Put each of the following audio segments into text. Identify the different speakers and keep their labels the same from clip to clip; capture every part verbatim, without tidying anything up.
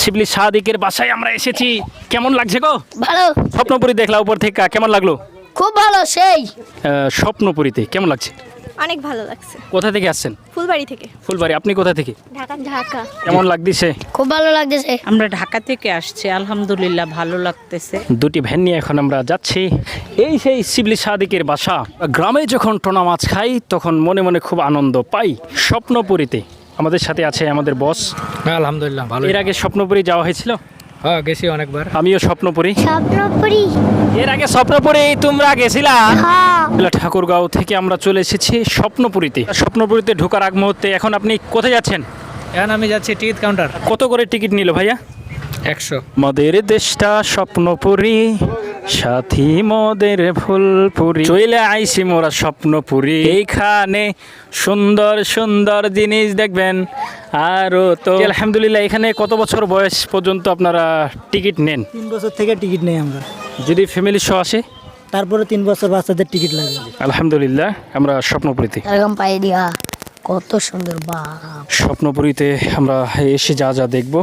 Speaker 1: শিবলি সাদিকের বাসায় আমরা এসেছি। কেমন লাগছে গো?
Speaker 2: ভালো।
Speaker 1: স্বপ্নপুরী দেখলা উপর থেকে, কেমন লাগলো?
Speaker 2: খুব ভালো সেই।
Speaker 1: আহ, স্বপ্নপুরীতে কেমন লাগছে?
Speaker 3: অনেক ভালো লাগছে।
Speaker 1: কোথা থেকে আসছেন?
Speaker 3: ফুলবাড়ি থেকে।
Speaker 1: ফুলবাড়ি। আপনি কোথা থেকে?
Speaker 3: ঢাকা। ঢাকা।
Speaker 1: কেমন লাগতেছে?
Speaker 2: খুব ভালো লাগতেছে।
Speaker 4: আমরা ঢাকা থেকে আসছি, আলহামদুলিল্লাহ ভালো লাগতেছে।
Speaker 1: দুটি ভ্যান নিয়ে এখন আমরা যাচ্ছি। এই সেই শিবলি সাদিকের বাসা। গ্রামে যখন টোনা মাছ খাই তখন মনে মনে খুব আনন্দ পাই। স্বপ্নপুরীতে আমাদের সাথে আছে আমাদের বস।
Speaker 5: আলহামদুলিল্লাহ ভালো।
Speaker 1: এর আগে স্বপ্নপুরী যাওয়া হয়েছিল?
Speaker 5: হ্যাঁ গেছি অনেকবার।
Speaker 1: আমিও স্বপ্নপুরী।
Speaker 2: স্বপ্নপুরি।
Speaker 1: এর আগে স্বপ্নপুরী তোমরা গেছিলা? ঠাকুরগাঁও থেকে আমরা চলে এসেছি স্বপ্নপুরীতে। স্বপ্নপুরীতে ঢোকার আগ মুহূর্তে এখন আপনি কোথায় যাচ্ছেন?
Speaker 5: এখন আমি যাচ্ছি টিকিট কাউন্টার।
Speaker 1: কত করে টিকিট নিল ভাইয়া?
Speaker 5: একশো।
Speaker 1: মদের দেশটা স্বপ্নপুরী, সাথী মদের ফুলপুরি, চইলে আইসি মোরা স্বপ্নপুরী। এইখানে সুন্দর সুন্দর জিনিস দেখবেন। আরও তো আলহামদুলিল্লাহ। এখানে কত বছর বয়স পর্যন্ত আপনারা টিকিট নেন?
Speaker 6: তিন বছর থেকে টিকিট নেই আমরা।
Speaker 1: যদি ফ্যামিলি সহ আসে
Speaker 6: তারপরে তিন বছর বাচ্চাদের টিকিট লাগে।
Speaker 1: আলহামদুলিল্লাহ আমরা স্বপ্নপুরীতে।
Speaker 2: এরকম পাই দিয়া কত সুন্দর বাপ।
Speaker 1: স্বপ্নপুরীতে আমরা এসে যা যা দেখব,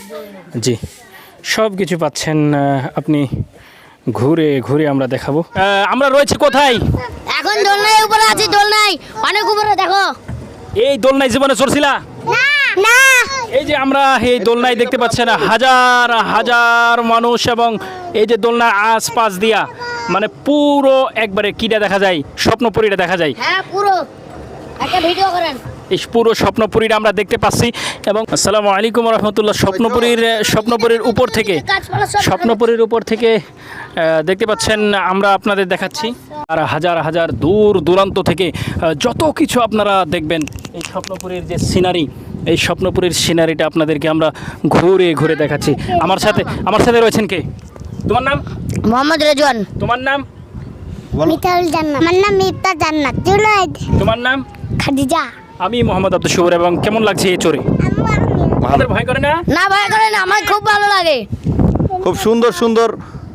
Speaker 1: জি সব কিছু পাচ্ছেন আপনি। ঘুরে ঘুরে আমরা দেখাবো। আমরা রয়েছে কোথায়?
Speaker 2: এখন দোলনায় উপরে আছি, দোলনায় অনেক উপরে দেখো।
Speaker 1: এই দোলনায় জীবনে চড়ছিলা?
Speaker 2: না।
Speaker 1: এই যে আমরা এই দোলনায় দেখতে পাচ্ছেন হাজার হাজার মানুষ, এবং এই যে দোলনার আশপাশ দিয়া মানে পুরো একবারে কিটা দেখা যায়, স্বপ্নপুরীটা দেখা যায়।
Speaker 2: হ্যাঁ পুরো। একটা ভিডিও করেন।
Speaker 1: এই পুরো স্বপ্নপুরীটা আমরা দেখতে পাচ্ছি। এবং আসসালামু আলাইকুম রহমতুল্লাহ। স্বপ্নপুরীর স্বপ্নপুরীর উপর থেকে স্বপ্নপুরীর উপর থেকে আহ, দেখতে পাচ্ছেন আমরা আপনাদের দেখাচ্ছি। আর হাজার হাজার দূর দূরান্ত থেকে আহ, যত কিছু আপনারা দেখবেন এই স্বপ্নপুরীর যে সিনারি, এই স্বপ্নপুরীর সিনারিটা আপনাদেরকে আমরা ঘুরে ঘুরে দেখাচ্ছি। আমার সাথে আমার সাথে রয়েছেন কে? তোমার নাম?
Speaker 2: মোহাম্মদ রেজওয়ান।
Speaker 1: তোমার নাম?
Speaker 7: মিতাল জান্নাত। আমার নাম মিতা জান্নাত। জুনাইদ।
Speaker 1: তোমার নাম?
Speaker 7: খাদিজা।
Speaker 1: আমি মোহাম্মদ আব্দুল শুকুর। এবং কেমন লাগছে এই চড়ে? আমাদের ভয় করে না?
Speaker 2: না ভয় করে না, আমার খুব ভালো লাগে।
Speaker 8: খুব সুন্দর সুন্দর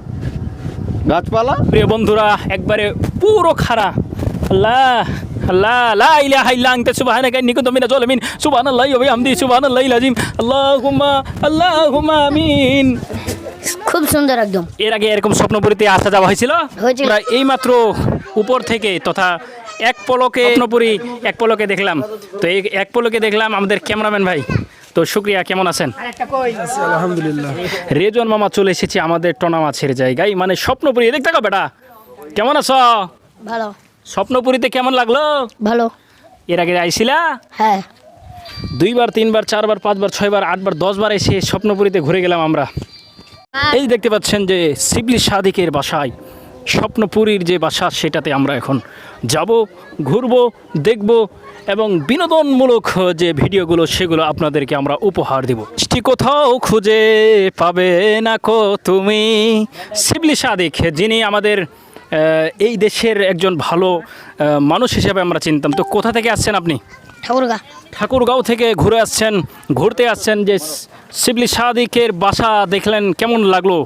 Speaker 8: গাছপালা।
Speaker 1: প্রিয় বন্ধুরা একবারে পুরো খাড়া। আল্লাহ আল্লাহ লা ইলাহা ইল্লা আনতা সুবহানাকা ইন্নী কুনতু মিনাজ জালিমিন। সুবহানাল্লাহি ওয়া বিহামদিহি সুবহানাল্লাহিল আযীম। আল্লাহুম্মা আল্লাহুম্মা আমিন।
Speaker 2: খুব সুন্দর একদম।
Speaker 1: এর আগে এরকম স্বপ্নপুরীতে আসা যাওয়া হয়েছিল?
Speaker 2: হয়েছিল।
Speaker 1: আমরা এইমাত্র উপর থেকে তথা এক পলকে স্বপ্নপুরী এক পলকে দেখলাম। তো এই এক পলকে দেখলাম আমাদের ক্যামেরাম্যান ভাই। তো শুক্রিয়া, কেমন আছেন?
Speaker 6: আলহামদুলিল্লাহ।
Speaker 1: রেজন মামা চলে এসেছি আমাদের টোনা মাছের জায়গায়, মানে স্বপ্নপুরী। দেখতে গো বেটা, কেমন আছো?
Speaker 2: ভালো।
Speaker 1: স্বপ্নপুরীতে কেমন লাগলো?
Speaker 2: ভালো।
Speaker 1: এর আগে আইছিলা?
Speaker 2: হ্যাঁ।
Speaker 1: দুইবার, তিনবার, চারবার, পাঁচবার, ছয়বার, আটবার, দশবার এসে স্বপ্নপুরীতে ঘুরে গেলাম আমরা। এই দেখতে পাচ্ছেন যে শিবলি সাদিকের বাসায়, স্বপ্নপুরীর যে বাসা সেটাতে আমরা এখন যাব, ঘুরবো, দেখব এবং বিনোদনমূলক যে ভিডিওগুলো সেগুলো আপনাদেরকে আমরা উপহার দেব। মিষ্টি কোথাও খুঁজে পাবে না কো তুমি। শিবলি সাদিক, যিনি আমাদের এই দেশের একজন ভালো মানুষ হিসেবে আমরা চিনতাম। তো কোথা থেকে আসছেন আপনি?
Speaker 2: ঠাকুরগা।
Speaker 1: ঠাকুরগাঁও থেকে ঘুরে আসছেন, ঘুরতে আসছেন। যে শিবলি সাদিকের বাসা দেখলেন, কেমন লাগলো?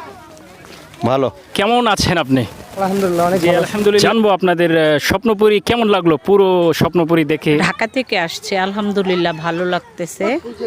Speaker 8: ভালো।
Speaker 1: কেমন আছেন আপনি?
Speaker 6: আলহামদুলিল্লাহ অনেক
Speaker 1: জি আলহামদুলিল্লাহ। জানবো আপনাদের স্বপ্নপুরী কেমন লাগলো, পুরো স্বপ্নপুরী দেখে?
Speaker 4: ঢাকা থেকে আসছি, আলহামদুলিল্লাহ ভালো লাগতেছে।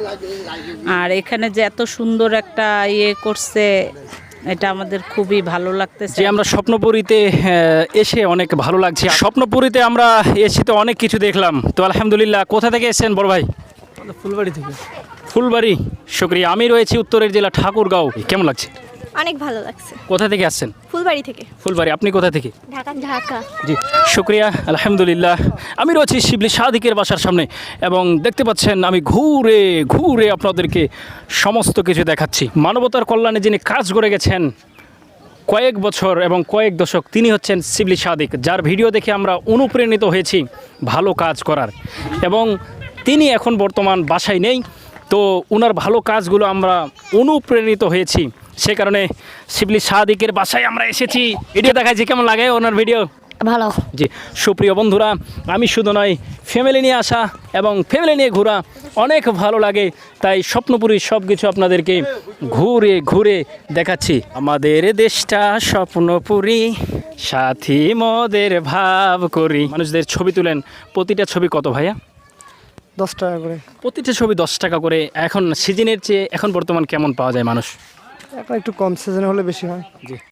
Speaker 4: আর এখানে যে এত সুন্দর একটা ইয়ে করছে, এটা আমাদের খুবই ভালো লাগতেছে।
Speaker 1: যে আমরা স্বপ্নপুরীতে এসে অনেক ভালো লাগছে। স্বপ্নপুরীতে আমরা এসে তো অনেক কিছু দেখলাম। তো আলহামদুলিল্লাহ। কোথা থেকে এসেছেন বড় ভাই?
Speaker 6: ফুলবাড়ি থেকে।
Speaker 1: ফুলবাড়ি, শুক্রিয়া। আমি রয়েছি উত্তরের জেলা ঠাকুরগাঁও। কেমন লাগছে?
Speaker 3: অনেক ভালো লাগছে।
Speaker 1: কোথা থেকে আসছেন?
Speaker 3: ফুলবাড়ি থেকে।
Speaker 1: ফুলবাড়ি। আপনি কোথা থেকে?
Speaker 3: ঢাকা। ঢাকা।
Speaker 1: জি শুক্রিয়া, আলহামদুলিল্লাহ। আমি রয়েছি শিবলি সাদিকের বাসার সামনে এবং দেখতে পাচ্ছেন আমি ঘুরে ঘুরে আপনাদেরকে সমস্ত কিছু দেখাচ্ছি। মানবতার কল্যাণে যিনি কাজ করে গেছেন কয়েক বছর এবং কয়েক দশক, তিনি হচ্ছেন শিবলি সাদিক, যার ভিডিও দেখে আমরা অনুপ্রাণিত হয়েছি ভালো কাজ করার। এবং তিনি এখন বর্তমান বাসায় নেই, তো ওনার ভালো কাজগুলো আমরা অনুপ্রাণিত হয়েছি। সে কারণে শিবলি সাদিকের বাসায় আমরা এসেছি, ভিডিও দেখাচ্ছি। কেমন লাগে ওনার ভিডিও?
Speaker 2: ভালো।
Speaker 1: জি সুপ্রিয় বন্ধুরা, আমি শুধু নয়, ফ্যামিলি নিয়ে আসা এবং ফ্যামিলি নিয়ে ঘোরা অনেক ভালো লাগে। তাই স্বপ্নপুরীর সব কিছু আপনাদেরকে ঘুরে ঘুরে দেখাচ্ছি। আমাদের দেশটা স্বপ্নপুরী, সাথী মদের ভাব করি। মানুষদের ছবি তুলেন, প্রতিটা ছবি কত ভাইয়া?
Speaker 6: দশ টাকা করে।
Speaker 1: প্রতিটা ছবি দশ টাকা করে। এখন সিজনের চেয়ে এখন বর্তমান কেমন পাওয়া যায় মানুষ?
Speaker 6: এখন একটু কম সিজন হলে বেশি হয়।
Speaker 1: জি